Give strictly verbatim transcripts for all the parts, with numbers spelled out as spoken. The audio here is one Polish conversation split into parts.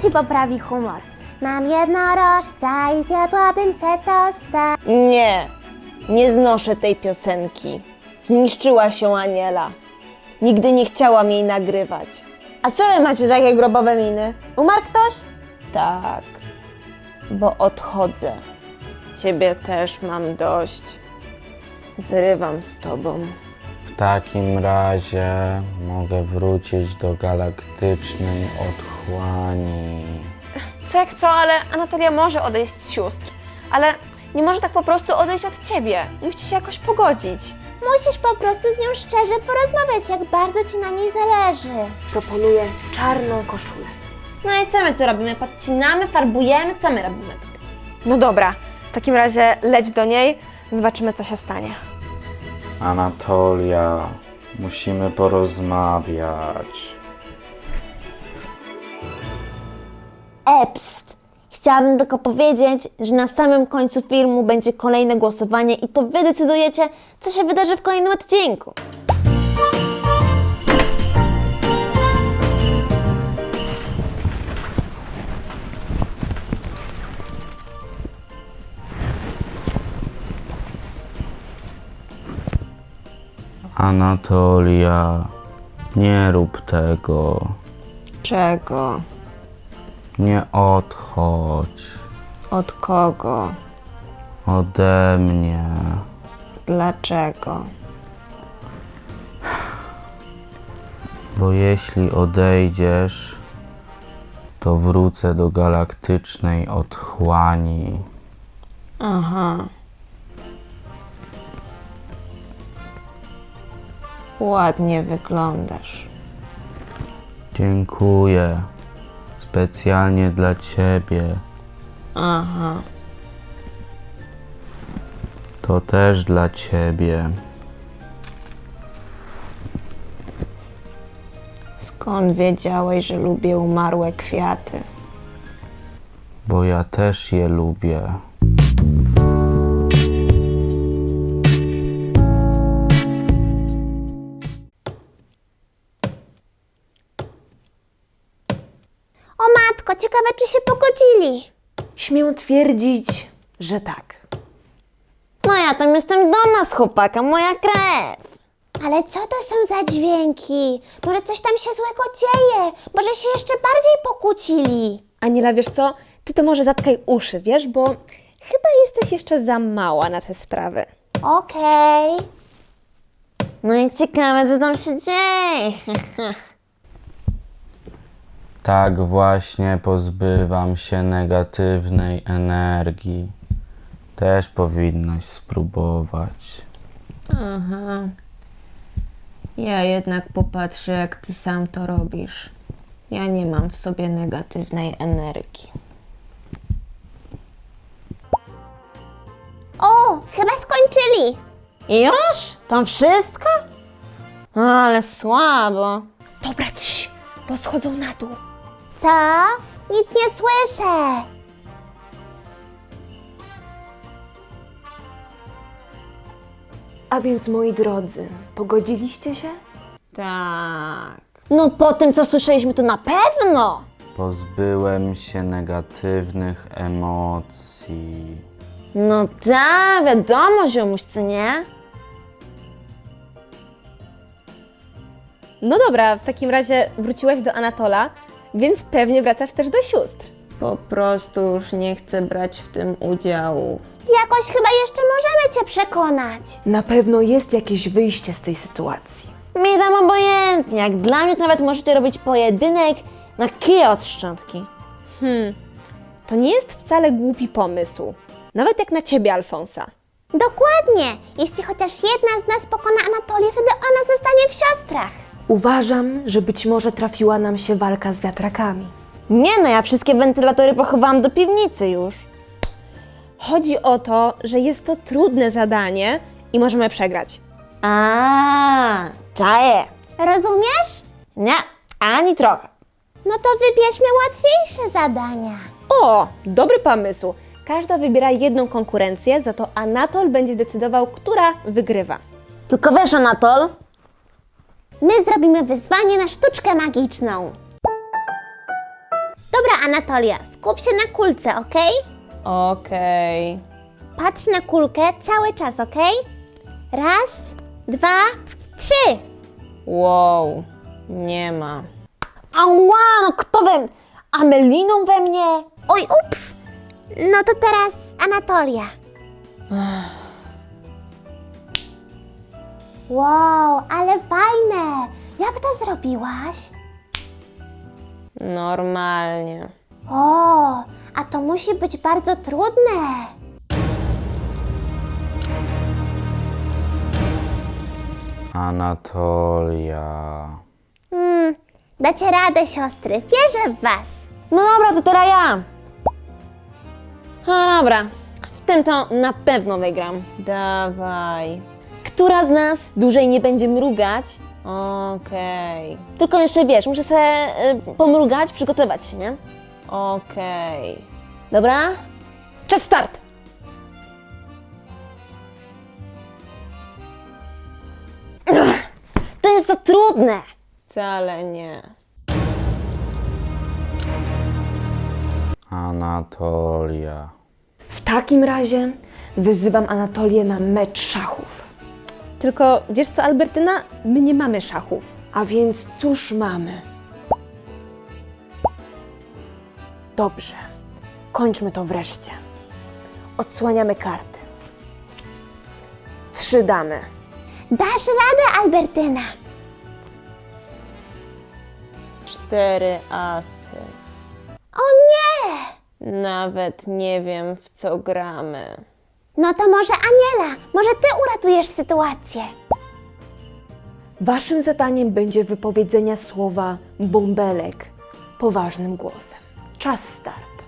ci poprawi humor. Mam jednorożca i zjadłabym se tosta. Nie, nie znoszę tej piosenki. Zniszczyła się Aniela. Nigdy nie chciałam jej nagrywać. A co wy macie takie grobowe miny? Umarł ktoś? Tak, bo odchodzę. Ciebie też mam dość. Zrywam z tobą. W takim razie mogę wrócić do galaktycznej otchłani. Co jak co, ale Anatolia może odejść z sióstr. Ale nie może tak po prostu odejść od ciebie. Musicie się jakoś pogodzić. Musisz po prostu z nią szczerze porozmawiać, jak bardzo ci na niej zależy. Proponuję czarną koszulę. No i co my tu robimy? Podcinamy, farbujemy? Co my robimy tutaj? No dobra, w takim razie leć do niej, zobaczymy co się stanie. Anatolia, musimy porozmawiać. Epst! Chciałabym tylko powiedzieć, że na samym końcu filmu będzie kolejne głosowanie i to wy decydujecie, co się wydarzy w kolejnym odcinku. Anatolia, nie rób tego. Czego? Nie odchodź Od kogo? ode mnie. Dlaczego? Bo jeśli odejdziesz, to wrócę do galaktycznej otchłani. Aha. Ładnie wyglądasz. Dziękuję. Specjalnie dla ciebie. Aha. To też dla ciebie. Skąd wiedziałeś, że lubię umarłe kwiaty? Bo ja też je lubię. O matko, ciekawe czy się pogodzili. Śmiem twierdzić, że tak. No ja tam jestem dumna z chłopaka, moja krew. Ale co to są za dźwięki? Może coś tam się złego dzieje? Może się jeszcze bardziej pokłócili? Aniela, wiesz co? Ty to może zatkaj uszy, wiesz, bo chyba jesteś jeszcze za mała na te sprawy. Okej. No i ciekawe, co tam się dzieje. Tak właśnie pozbywam się negatywnej energii. Też powinnaś spróbować. Aha. Ja jednak popatrzę, jak ty sam to robisz. Ja nie mam w sobie negatywnej energii. O, chyba skończyli. I już? To wszystko? Ale słabo. Dobra, cii, bo schodzą na dół. Co? Nic nie słyszę. A więc, moi drodzy, pogodziliście się? Tak. No po tym, co słyszeliśmy, to na pewno. Pozbyłem się negatywnych emocji. No tak, wiadomo, ziomuś, co nie? No dobra, w takim razie wróciłaś do Anatola, więc pewnie wracasz też do sióstr. Po prostu już nie chcę brać w tym udziału. Jakoś chyba jeszcze możemy cię przekonać. Na pewno jest jakieś wyjście z tej sytuacji. Mi tam obojętnie, jak dla mnie to nawet możecie robić pojedynek na kije od szczątki. Hmm, to nie jest wcale głupi pomysł. Nawet jak na ciebie, Alfonsa. Dokładnie. Jeśli chociaż jedna z nas pokona Anatolię, wtedy ona zostanie w siostrach. Uważam, że być może trafiła nam się walka z wiatrakami. Nie no, ja wszystkie wentylatory pochowałam do piwnicy już. Chodzi o to, że jest to trudne zadanie i możemy przegrać. A, czaję. Rozumiesz? Nie, ani trochę. No to wybierzmy łatwiejsze zadania. O, dobry pomysł. Każda wybiera jedną konkurencję, za to Anatol będzie decydował, która wygrywa. Tylko wiesz, Anatol, My zrobimy wyzwanie na sztuczkę magiczną. Do Dobra, Anatolia, skup się na kulce, okej? Okej. Patrz na kulkę cały czas, okej? Raz, dwa, trzy. Wow, nie ma. Ała, no kto we... Ameliną we mnie? Oj, ups! No to teraz Anatolia. Wow, ale fajne! Jak to zrobiłaś? Normalnie. O, a to musi być bardzo trudne. Anatolia. Hmm, dacie radę, siostry, wierzę w was. No dobra, to teraz ja. No dobra, w tym to na pewno wygram. Dawaj. Która z nas dłużej nie będzie mrugać? Okej, Tylko jeszcze wiesz, muszę sobie y, pomrugać, przygotować się, nie? okej. Dobra? Czas start! Ugh, to jest za trudne! Wcale nie. Anatolia. W takim razie wyzywam Anatolię na mecz szachów. Tylko wiesz co, Albertyna? My nie mamy szachów. A więc cóż mamy? Dobrze, kończmy to wreszcie. Odsłaniamy karty. Trzy damy. Dasz radę, Albertyna. Cztery asy. O nie! Nawet nie wiem, w co gramy. No to może Aniela, może ty uratujesz sytuację. Waszym zadaniem będzie wypowiedzenie słowa bąbelek poważnym głosem. Czas start.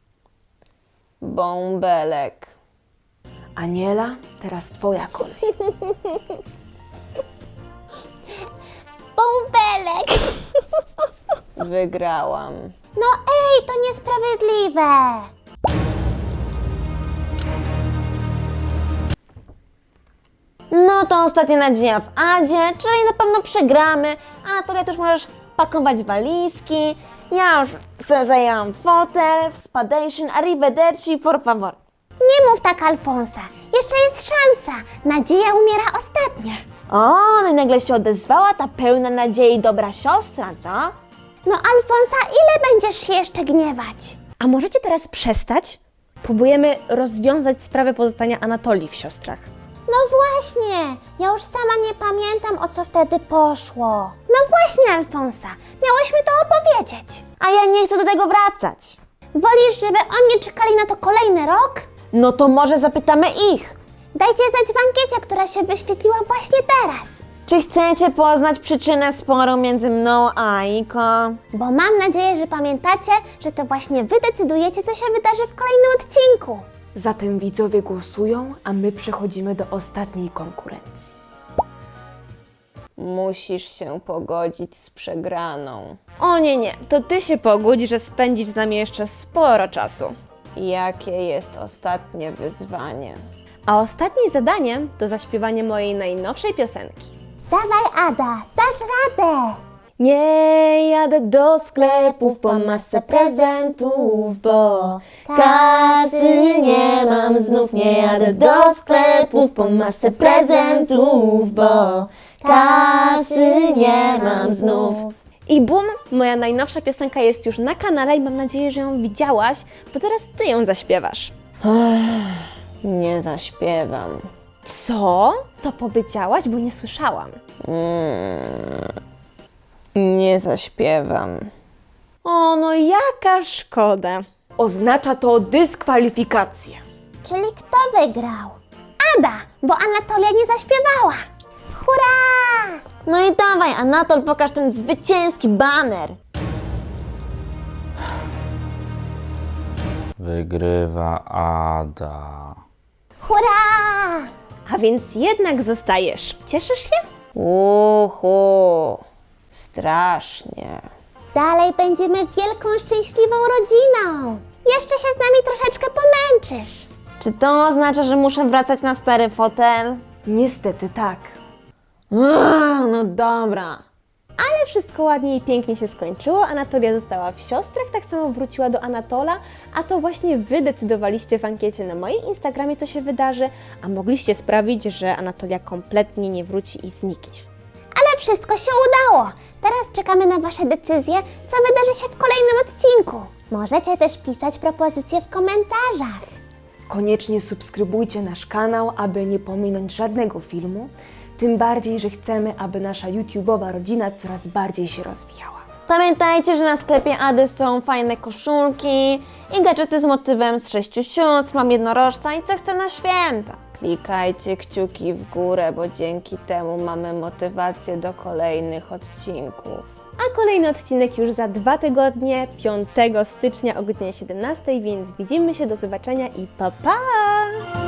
Bąbelek. Aniela, teraz twoja kolej. Bąbelek. Wygrałam. No ej, to niesprawiedliwe. No to ostatnia nadzieja w Adzie, czyli na pewno przegramy. Anatolia, też możesz pakować walizki. Ja już sobie zajęłam fotel, spadation, arrivederci, for favor. Nie mów tak, Alfonsa. Jeszcze jest szansa. Nadzieja umiera ostatnia. O, no i nagle się odezwała ta pełna nadziei dobra siostra, co? No Alfonsa, ile będziesz się jeszcze gniewać? A możecie teraz przestać? Próbujemy rozwiązać sprawę pozostania Anatolii w siostrach. No właśnie, ja już sama nie pamiętam, o co wtedy poszło. No właśnie, Alfonsa, miałyśmy to opowiedzieć. A ja nie chcę do tego wracać. Wolisz, żeby oni czekali na to kolejny rok? No to może zapytamy ich. Dajcie znać w ankiecie, która się wyświetliła właśnie teraz. Czy chcecie poznać przyczynę sporu między mną a Aiko? Bo mam nadzieję, że pamiętacie, że to właśnie wy decydujecie, co się wydarzy w kolejnym odcinku. Zatem widzowie głosują, a my przechodzimy do ostatniej konkurencji. Musisz się pogodzić z przegraną. O nie, nie, to ty się pogódź, że spędzisz z nami jeszcze sporo czasu. Jakie jest ostatnie wyzwanie? A ostatnim zadaniem to zaśpiewanie mojej najnowszej piosenki. Dawaj, Ada, dasz radę. Nie jadę do sklepów po masę prezentów, bo kasy nie mam znów. Nie jadę do sklepów po masę prezentów, bo kasy nie mam znów. I bum, moja najnowsza piosenka jest już na kanale i mam nadzieję, że ją widziałaś, bo teraz ty ją zaśpiewasz. Nie zaśpiewam. Co? Co powiedziałaś, bo nie słyszałam. Nie zaśpiewam. O, no jaka szkoda. Oznacza to dyskwalifikację. Czyli kto wygrał? Ada, bo Anatolia nie zaśpiewała. Hurra! No i dawaj, Anatol, pokaż ten zwycięski baner. Wygrywa Ada. Hurra! A więc jednak zostajesz. Cieszysz się? Uhu, strasznie. Dalej będziemy wielką, szczęśliwą rodziną. Jeszcze się z nami troszeczkę pomęczysz. Czy to oznacza, że muszę wracać na stary fotel? Niestety tak. Uuu, no dobra. Ale wszystko ładnie i pięknie się skończyło. Anatolia została w siostrach, tak samo wróciła do Anatola, a to właśnie Wy decydowaliście w ankiecie na moim Instagramie, co się wydarzy, a mogliście sprawić, że Anatolia kompletnie nie wróci i zniknie. Ale wszystko się udało. Teraz czekamy na Wasze decyzje, co wydarzy się w kolejnym odcinku. Możecie też pisać propozycje w komentarzach. Koniecznie subskrybujcie nasz kanał, aby nie pominąć żadnego filmu. Tym bardziej, że chcemy, aby nasza YouTube'owa rodzina coraz bardziej się rozwijała. Pamiętajcie, że na sklepie Ady są fajne koszulki i gadżety z motywem z sześciu sióstr, mam jednorożca i co chcę na święta. Klikajcie kciuki w górę, bo dzięki temu mamy motywację do kolejnych odcinków. A kolejny odcinek już za dwa tygodnie, piątego stycznia o godzinie siedemnastej, więc widzimy się, do zobaczenia i pa pa!